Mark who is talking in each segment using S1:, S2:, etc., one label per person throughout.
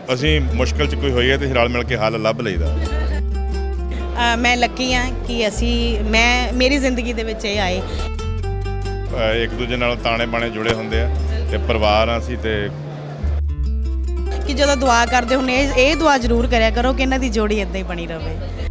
S1: ਅਸੀਂ ਮੁਸ਼ਕਿਲ 'ਚ ਕੋਈ ਹੋਈ ਹੈ ਤੇ ਰਲ ਮਿਲ ਕੇ ਹੱਲ ਲੱਭ ਲਈਦਾ।
S2: ਮੈਂ ਲੱਕੀ ਹਾਂ ਕਿ ਮੇਰੀ ਜ਼ਿੰਦਗੀ ਦੇ ਵਿੱਚ ਇਹ ਆਏ।
S1: ਇੱਕ ਦੂਜੇ ਨਾਲ ਤਾਣੇ ਬਾਣੇ ਜੁੜੇ ਹੁੰਦੇ ਆ ਤੇ ਪਰਿਵਾਰ ਆ ਅਸੀਂ ਤੇ
S2: ਕਿ ਜਦੋਂ ਦੁਆ ਕਰਦੇ ਹੁੰਦੇ ਇਹ ਦੁਆ ਜ਼ਰੂਰ ਕਰਿਆ ਕਰੋ ਕਿ ਇਹਨਾਂ ਦੀ ਜੋੜੀ ਇਦਾਂ ਹੀ ਬਣੀ ਰਹੇ।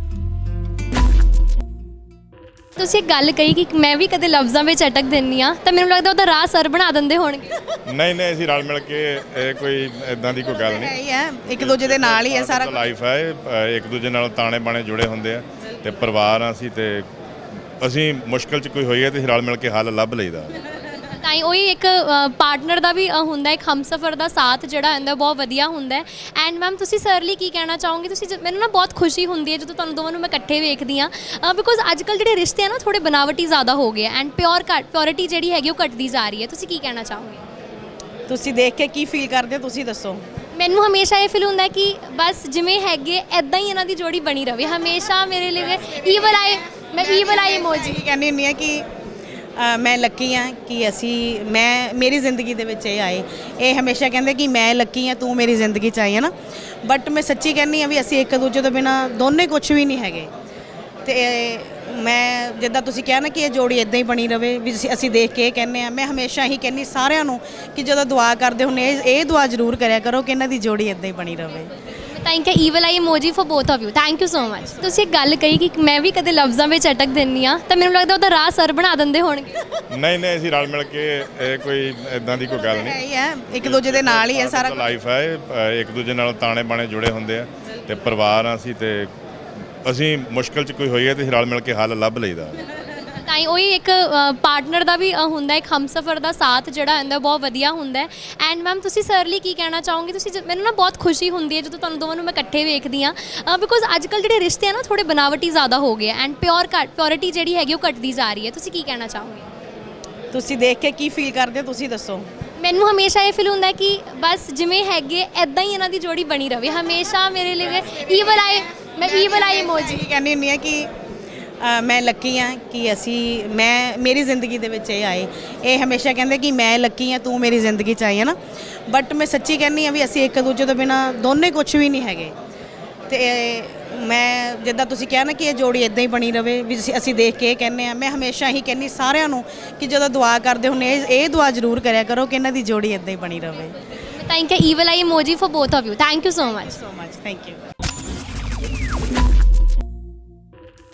S3: ਤੁਸੀਂ ਇੱਕ ਗੱਲ ਕਹੀ ਕਿ ਮੈਂ ਵੀ ਕਦੇ ਲਫ਼ਜ਼ਾਂ ਵਿੱਚ ਅਟਕ ਦਿੰਦੀ ਆ ਤਾਂ ਮੈਨੂੰ ਲੱਗਦਾ ਉਹਦਾ ਰਾਹ ਸਰ ਬਣਾ ਦਿੰਦੇ ਹੋਣਗੇ।
S1: ਨਹੀਂ ਅਸੀਂ ਰਲ ਮਿਲ ਕੇ ਇਹ ਕੋਈ ਇਦਾਂ ਦੀ ਕੋਈ ਗੱਲ ਨਹੀਂ।
S2: ਇਹ ਹੈ ਇੱਕ ਦੂਜੇ ਦੇ ਨਾਲ ਹੀ ਹੈ ਸਾਰਾ
S1: ਲਾਈਫ ਹੈ। ਇੱਕ ਦੂਜੇ ਨਾਲ ਤਾਣੇ ਬਾਣੇ ਜੁੜੇ ਹੁੰਦੇ ਆ ਤੇ ਪਰਿਵਾਰ ਆ ਅਸੀਂ ਤੇ ਅਸੀਂ ਮੁਸ਼ਕਿਲ 'ਚ ਕੋਈ ਹੋਈ ਹੈ ਤੇ ਰਲ ਮਿਲ ਕੇ ਹੱਲ ਲੱਭ ਲਈਦਾ।
S3: ਤਾਂ ਹੀ ਉਹੀ ਇੱਕ ਪਾਰਟਨਰ ਦਾ ਵੀ ਹੁੰਦਾ, ਇੱਕ ਹਮਸਫਰ ਦਾ ਸਾਥ ਜਿਹੜਾ ਹੁੰਦਾ ਬਹੁਤ ਵਧੀਆ ਹੁੰਦਾ। ਐਂਡ ਮੈਮ ਤੁਸੀਂ ਸਰ ਲਈ ਕੀ ਕਹਿਣਾ ਚਾਹੋਗੇ? ਤੁਸੀਂ ਮੈਨੂੰ ਨਾ ਬਹੁਤ ਖੁਸ਼ੀ ਹੁੰਦੀ ਹੈ ਜਦੋਂ ਤੁਹਾਨੂੰ ਦੋਵਾਂ ਨੂੰ ਮੈਂ ਇਕੱਠੇ ਵੇਖਦੀ ਹਾਂ, ਬਿਕੋਜ਼ ਅੱਜ ਕੱਲ੍ਹ ਜਿਹੜੇ ਰਿਸ਼ਤੇ ਆ ਨਾ ਥੋੜ੍ਹੇ ਬਨਾਵਟੀ ਜ਼ਿਆਦਾ ਹੋ ਗਏ ਐਂਡ ਪਿਓਰਿਟੀ ਜਿਹੜੀ ਹੈਗੀ ਉਹ ਘਟਦੀ ਜਾ ਰਹੀ ਹੈ। ਤੁਸੀਂ ਕੀ ਕਹਿਣਾ ਚਾਹੋਗੇ?
S2: ਤੁਸੀਂ ਦੇਖ ਕੇ ਕੀ ਫੀਲ ਕਰਦੇ ਹੋ ਤੁਸੀਂ ਦੱਸੋ।
S3: ਮੈਨੂੰ ਹਮੇਸ਼ਾ ਇਹ ਫੀਲ ਹੁੰਦਾ ਕਿ ਬਸ ਜਿਵੇਂ ਹੈਗੇ ਐਦਾਂ ਹੀ ਇਹਨਾਂ ਦੀ ਜੋੜੀ ਬਣੀ ਰਹੇ ਹਮੇਸ਼ਾ। ਮੇਰੇ ਲਈ ਮੈਂ ਈਵਲ ਆਈ ਇਮੋਜੀ
S2: ਕਹਿੰਦੀ ਹੁੰਦੀ ਹਾਂ ਕਿ ਮੈਂ ਲੱਕੀ ਹਾਂ ਕਿ ਮੇਰੀ ਜ਼ਿੰਦਗੀ ਦੇ ਵਿੱਚ ਇਹ ਆਏ। ਇਹ ਹਮੇਸ਼ਾ ਕਹਿੰਦੇ ਕਿ ਮੈਂ ਲੱਕੀ ਹਾਂ ਤੂੰ ਮੇਰੀ ਜ਼ਿੰਦਗੀ 'ਚ ਆਈ ਹੈ ਨਾ, ਬਟ ਮੈਂ ਸੱਚੀ ਕਹਿੰਦੀ ਹਾਂ ਵੀ ਅਸੀਂ ਇੱਕ ਦੂਜੇ ਤੋਂ ਬਿਨਾਂ ਦੋਨੇ ਕੁਝ ਵੀ ਨਹੀਂ ਹੈਗੇ। ਤੇ ਮੈਂ ਜਿੱਦਾਂ ਤੁਸੀਂ ਕਿਹਾ ਨਾ ਕਿ ਇਹ ਜੋੜੀ ਇਦਾਂ ਹੀ ਬਣੀ ਰਹੇ ਵੀ ਅਸੀਂ ਦੇਖ ਕੇ ਇਹ ਕਹਿੰਦੇ ਹਾਂ। ਮੈਂ ਹਮੇਸ਼ਾ ਹੀ ਕਹਿੰਦੀ ਸਾਰਿਆਂ ਨੂੰ ਕਿ ਜਦੋਂ ਦੁਆ ਕਰਦੇ ਹੁੰਦੇ ਇਹ ਦੁਆ ਜ਼ਰੂਰ ਕਰਿਆ ਕਰੋ ਕਿ ਇਹਨਾਂ ਦੀ ਜੋੜੀ ਇਦਾਂ ਹੀ ਬਣੀ ਰਹੇ।
S3: Thank you evil eye emoji for both of you. Thank you so much. ਤੁਸੀਂ ਇੱਕ ਗੱਲ ਕਹੀ ਕਿ ਮੈਂ ਵੀ ਕਦੇ ਲਫ਼ਜ਼ਾਂ ਵਿੱਚ ਅਟਕ ਦਿੰਦੀ ਆ ਤਾਂ ਮੈਨੂੰ ਲੱਗਦਾ ਉਹਦਾ ਰਾਹ ਸਰ ਬਣਾ ਦਿੰਦੇ ਹੋਣਗੇ।
S1: ਨਹੀਂ ਅਸੀਂ ਰਲ ਮਿਲ ਕੇ ਇਹ ਕੋਈ ਇਦਾਂ ਦੀ ਕੋਈ ਗੱਲ ਨਹੀਂ।
S2: ਇਹ ਹੈ ਇੱਕ ਦੂਜੇ ਦੇ ਨਾਲ ਹੀ ਹੈ ਸਾਰਾ
S1: ਲਾਈਫ ਹੈ। ਇੱਕ ਦੂਜੇ ਨਾਲ ਤਾਣੇ ਬਾਣੇ ਜੁੜੇ ਹੁੰਦੇ ਆ ਤੇ ਪਰਿਵਾਰ ਆ ਅਸੀਂ ਤੇ ਅਸੀਂ ਮੁਸ਼ਕਿਲ 'ਚ ਕੋਈ ਹੋਈ ਹੈ ਤੇ ਰਲ ਮਿਲ ਕੇ ਹੱਲ ਲੱਭ ਲਈਦਾ।
S3: ਤਾਂ ਹੀ ਉਹੀ ਇੱਕ ਪਾਰਟਨਰ ਦਾ ਵੀ ਹੁੰਦਾ, ਇੱਕ ਹਮਸਫਰ ਦਾ ਸਾਥ ਜਿਹੜਾ ਹੁੰਦਾ ਬਹੁਤ ਵਧੀਆ ਹੁੰਦਾ। ਐਂਡ ਮੈਮ ਤੁਸੀਂ ਸਰ ਲਈ ਕੀ ਕਹਿਣਾ ਚਾਹੋਗੇ? ਤੁਸੀਂ ਮੈਨੂੰ ਨਾ ਬਹੁਤ ਖੁਸ਼ੀ ਹੁੰਦੀ ਹੈ ਜਦੋਂ ਤੁਹਾਨੂੰ ਦੋਵਾਂ ਨੂੰ ਮੈਂ ਇਕੱਠੇ ਵੇਖਦੀ ਹਾਂ, ਬਿਕੋਜ਼ ਅੱਜ ਕੱਲ੍ਹ ਜਿਹੜੇ ਰਿਸ਼ਤੇ ਆ ਨਾ ਥੋੜ੍ਹੇ ਬਨਾਵਟੀ ਜ਼ਿਆਦਾ ਹੋ ਗਏ ਐਂਡ ਪਿਓਰਿਟੀ ਜਿਹੜੀ ਹੈਗੀ ਉਹ ਘਟਦੀ ਜਾ ਰਹੀ ਹੈ। ਤੁਸੀਂ ਕੀ ਕਹਿਣਾ ਚਾਹੋਗੇ?
S2: ਤੁਸੀਂ ਦੇਖ ਕੇ ਕੀ ਫੀਲ ਕਰਦੇ ਹੋ ਤੁਸੀਂ ਦੱਸੋ।
S3: ਮੈਨੂੰ ਹਮੇਸ਼ਾ ਇਹ ਫੀਲ ਹੁੰਦਾ ਕਿ ਬਸ ਜਿਵੇਂ ਹੈਗੇ ਐਦਾਂ ਹੀ ਇਹਨਾਂ ਦੀ ਜੋੜੀ ਬਣੀ ਰਹੇ ਹਮੇਸ਼ਾ। ਮੇਰੇ ਲਈ ਈਵਲ ਆਈ ਇਮੋਜੀ
S2: ਕਹਿੰਦੀ ਹੁੰਦੀ ਹਾਂ ਕਿ ਮੈਂ ਲੱਕੀ ਹਾਂ ਕਿ ਮੇਰੀ ਜ਼ਿੰਦਗੀ ਦੇ ਵਿੱਚ ਇਹ ਆਏ। ਇਹ ਹਮੇਸ਼ਾ ਕਹਿੰਦੇ ਕਿ ਮੈਂ ਲੱਕੀ ਹਾਂ ਤੂੰ ਮੇਰੀ ਜ਼ਿੰਦਗੀ 'ਚ ਆਈ ਹੈ ਨਾ, ਬਟ ਮੈਂ ਸੱਚੀ ਕਹਿੰਦੀ ਹਾਂ ਵੀ ਅਸੀਂ ਇੱਕ ਦੂਜੇ ਤੋਂ ਬਿਨਾਂ ਦੋਨੇ ਕੁਝ ਵੀ ਨਹੀਂ ਹੈਗੇ। ਤੇ ਮੈਂ ਜਿੱਦਾਂ ਤੁਸੀਂ ਕਿਹਾ ਨਾ ਕਿ ਇਹ ਜੋੜੀ ਇਦਾਂ ਹੀ ਬਣੀ ਰਹੇ ਵੀ ਅਸੀਂ ਦੇਖ ਕੇ ਇਹ ਕਹਿੰਦੇ ਹਾਂ। ਮੈਂ ਹਮੇਸ਼ਾ ਹੀ ਕਹਿੰਦੀ ਸਾਰਿਆਂ ਨੂੰ ਕਿ ਜਦੋਂ ਦੁਆ ਕਰਦੇ ਹੁੰਦੇ ਇਹ ਦੁਆ ਜ਼ਰੂਰ ਕਰਿਆ ਕਰੋ ਕਿ ਇਹਨਾਂ ਦੀ ਜੋੜੀ ਇਦਾਂ ਹੀ ਬਣੀ ਰਹੇ।
S3: Thank you evil eye emoji for both of you. Thank you so much.
S2: Thank you.